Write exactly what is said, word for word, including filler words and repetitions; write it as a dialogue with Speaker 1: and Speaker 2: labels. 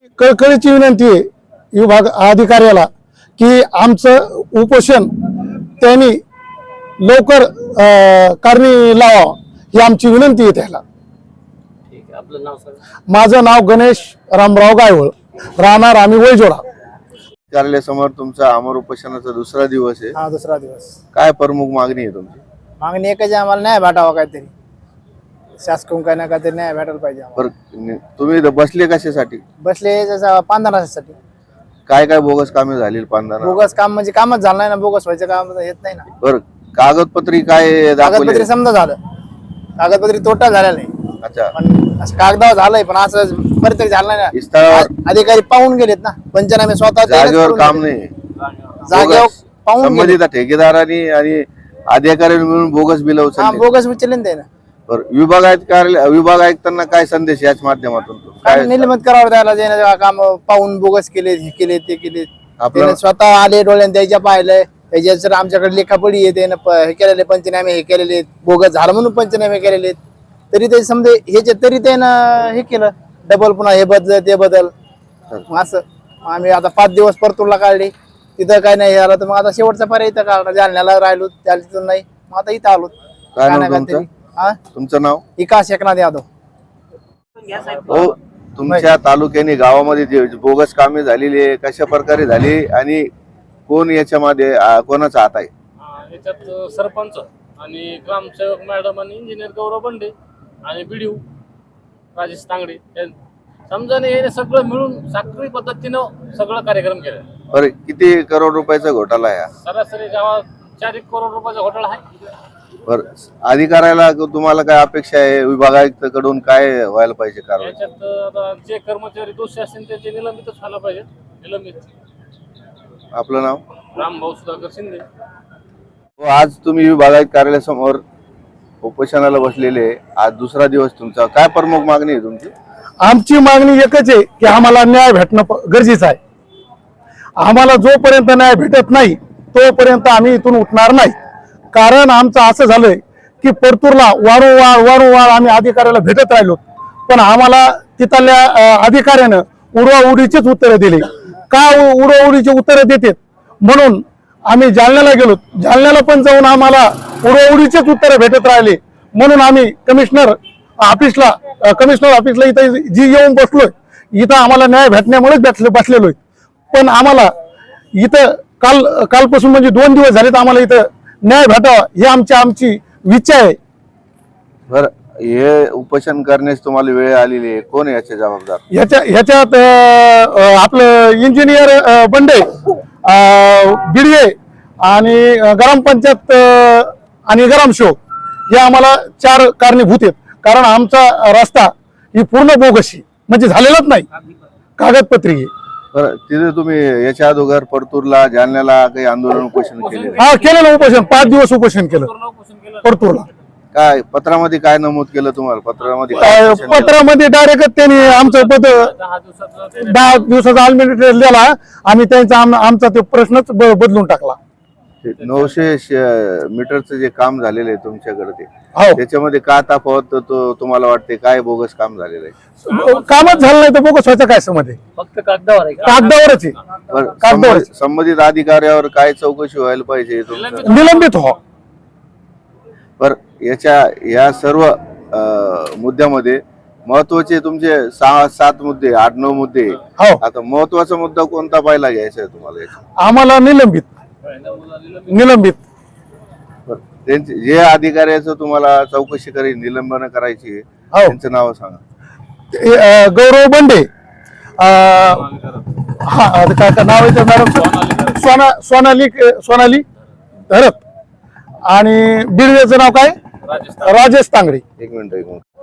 Speaker 1: कळकळीची विनंती आहे विभाग अधिकाऱ्याला की आमचं उपोषण त्यांनी लवकर अं, कारणी लावा ही आमची विनंती आहे त्याला।
Speaker 2: ठीक आहे, आपलं नाव सांगा।
Speaker 1: माझं नाव गणेश रामराव गायवळ, राहणार आम्ही वैजोडा।
Speaker 3: कार्यालयासमोर तुमचा अमर उपोषणाचा दुसरा दिवस आहे।
Speaker 4: हा दुसरा दिवस।
Speaker 3: काय प्रमुख मागणी आहे तुमची?
Speaker 4: मागणी एकच आहे, आम्हाला न्याय भेटावा काहीतरी, शासकीय काय ना काहीतरी न्याय भेटायला पाहिजे आम्हाला।
Speaker 3: बरं, तुम्ही इथं बसले कशासाठी?
Speaker 4: बसले जसं पांढरासाठी।
Speaker 3: काय काय बोगस कामे झाली पांढरा?
Speaker 4: बोगस काम म्हणजे कामच झालं नाही ना, बोगस व्हायचं काम येत नाही ना।
Speaker 3: बरं, कागदपत्री काय दाखवले?
Speaker 4: कागदपत्री समजा झालं, कागदपत्री तोटा झाला नाही,
Speaker 3: अच्छा,
Speaker 4: पण असं कागदावर झालंय, पण असं बरं तरी झालं नाही ना।
Speaker 3: स्थळावर
Speaker 4: अधिकारी पाहून गेलेत ना, पंचनामे स्वतः त्यांनीच
Speaker 3: जागेवर
Speaker 4: करून
Speaker 3: काम
Speaker 4: गेले।
Speaker 3: नाही,
Speaker 4: जागेवर
Speaker 3: बोगस.
Speaker 4: पाहून गेले।
Speaker 3: संबंधित ठेकेदारांनी आणि अधिकाऱ्यांनी मिळून बोगस बिल
Speaker 4: हा
Speaker 3: उचलले।
Speaker 4: बोगस उचलले ना।
Speaker 3: बरं, विभाग कार्यालय विभाग आयुक्तांना काय संदेश याच माध्यमातून
Speaker 4: काय
Speaker 3: काय
Speaker 4: निलंबित करावं त्याला, ज्याने काम पाहून बोगस केले, हे केले ते केले,
Speaker 3: आपलं
Speaker 4: त्याने स्वतः आले डोळ्याने त्याच्या पाहिलंय, त्याच्या सर आमच्याकडे लेखापडी आहे, त्यानं प- हे केलेले पंचनामे हे केलेले, बोगस झालं म्हणून पंचनामे केलेले, तरी ते समजे ह्याचे तरी त्यानं हे केलं डबल, पुन्हा हे बदल ते बदल, मग असं मग आम्ही आता पाच दिवस परतूरला काढले, तिथं काय नाही झालं, तर मग आता शेवटचा पर्याय इथं काढला, जालन्याला राहिलो, त्या तिथून नाही, मग आता इथं आलो।
Speaker 3: काय नाव
Speaker 4: काय ना
Speaker 3: तुमचं?
Speaker 4: काहीतरी हा
Speaker 3: तुमचं नाव?
Speaker 4: विकास एकनाथ यादव।
Speaker 3: हो, तुमच्या तालुक्याने गावामध्ये जे बोगस कामे झालेली आहे, कशा प्रकारे झाली आणि कोण याच्यामध्ये अं, कोणाचा हात आहे?
Speaker 2: अं, याच्यात सरपंच आणि ग्रामसेवक मॅडम आणि इंजिनियर गौरव बंडे आणि बीडीओ राजेश तांगडे या समजाने हे सगळं मिळून साखळी पद्धतीनं सगळं कार्यक्रम केला।
Speaker 3: बरं, किती करोड रुपयाचा घोटाळा आहे हा?
Speaker 2: सरासरी गावात चार एक करोड रुपयाचा घोटाळा आहे।
Speaker 3: बरं, अधिकाऱ्याला तुम्हाला काय अपेक्षा आहे? विभाग आयुक्ताकडून काय व्हायला पाहिजे कारवाई?
Speaker 2: याच्यात आता जे कर्मचारी दोषी असतील त्याचे निलंबितच व्हायला पाहिजे, निलंबित।
Speaker 3: आपलं नाव?
Speaker 2: रामभाऊ सुधाकर शिंदे।
Speaker 3: हो, आज तुम्ही विभाग आयुक्त कार्यालयासमोर उपोषणाला बसलेले, आज दुसरा दिवस तुमचा, काय प्रमुख मागणी आहे तुमची?
Speaker 1: आमची मागणी एकच आहे की आम्हाला न्याय भेटणं प- गरजेचं आहे। आम्हाला जोपर्यंत न्याय भेटत नाही तोपर्यंत आम्ही इथून उठणार नाही। कारण आमचं असं झालंय की परतूरला वारंवार वारंवार आम्ही अधिकाऱ्याला भेटत राहिलो, पण आम्हाला तिथल्या अं, अधिकाऱ्यानं उडवाउडीचीच उत्तरं दिली। का उ- उडवाउडीची उत्तरं देतात म्हणून आम्ही जालन्याला गेलो, जालन्याला पण जाऊन आम्हाला उडवाउडीचीच उत्तरं भेटत राहिले, म्हणून आम्ही कमिशनर ऑफिसला अं, कमिशनर ऑफिसला इथं जी येऊन बसलोय, इथं आम्हाला न्याय भेटण्यामुळेच बसले बसलेलोय। पण आम्हाला इथं काल कालपासून म्हणजे दोन दिवस झालेत आम्हाला इथं न्याय भेटावा ही आमची आमची इच्छा आहे।
Speaker 3: बरं, हे उपोषण करण्यास तुम्हाला वेळ आलेली आहे, कोण आहे याचे जबाबदार?
Speaker 1: ह्याच्या ह्याच्यात अं, अं, आपलं इंजिनियर अं, बंडे, बिडवे आणि अं, ग्रामपंचायत अं, आणि ग्रामसेवक हे आम्हाला चार कारणीभूत आहेत। कारण आमचा रस्ता ही पूर्ण बोगशी म्हणजे झालेलाच नाही, कागदपत्री आहे।
Speaker 3: बरं, तिथे तुम्ही याच्या अगोदर परतूरला जालन्याला काही आंदोलन उपोषण केले?
Speaker 1: हा केलेलं उपोषण, पाच दिवस उपोषण केलं
Speaker 2: पूर्ण उपोषण केलं।
Speaker 1: परतूरला।
Speaker 3: काय पत्रामध्ये काय नमूद केलं तुम्हाला? पत्रामध्ये काय
Speaker 1: अं,
Speaker 3: उपोषण केलं?
Speaker 1: पत्रामध्ये डायरेक्ट त्यांनी आमचं पद
Speaker 2: दहा दिवसाचं ते
Speaker 1: दहा दिवसाचा आलमेट दिला, आम्ही त्यांचा आम- आमचा ते प्रश्नच ब- बदलून टाकला।
Speaker 3: ते नऊशे श- मीटरचं जे काम झालेलं आहे तुमच्याकडे, ते
Speaker 1: हो,
Speaker 3: त्याच्यामध्ये का तफावत तो तुम्हाला वाटते? काय बोगस काम झालेलं आहे?
Speaker 1: कामच झालं नाही तर बोगस व्हायचं काय समज आहे?
Speaker 2: फक्त कागदावर आहे का?
Speaker 1: कागदावरच आहे,
Speaker 3: बरं,
Speaker 1: कागदावर.
Speaker 3: संबंधित- संबंधित अधिकाऱ्यावर काय चौकशी व्हायला पाहिजे तुमचं?
Speaker 1: निलंबित हो।
Speaker 3: बरं, याच्या या सर्व अं, मुद्द्यामध्ये महत्वाचे तुमचे सहा सात मुद्दे, आठ नऊ मुद्दे.
Speaker 1: हो,
Speaker 3: आता महत्वाचा मुद्दा कोणता पाहिला घ्यायचा आहे तुम्हाला याच्यात?
Speaker 1: आम्हाला निलंबित निलंबित
Speaker 3: बरं, त्यांचे जे अधिकाऱ्याचं तुम्हाला चौकशी करी निलंबन करायची आहे,
Speaker 1: हो,
Speaker 3: त्यांचं नाव सांगा.
Speaker 1: ते, अं, गौरव बंडे, अं, हा अं, काय काय नाव आहे त्या मॅडम? सोना सोनाली सोनाली धरत आणि बिडवेचं नाव काय?
Speaker 2: राजेश
Speaker 1: राजेश तांगडे।
Speaker 3: एक मिनिट एक मिनिट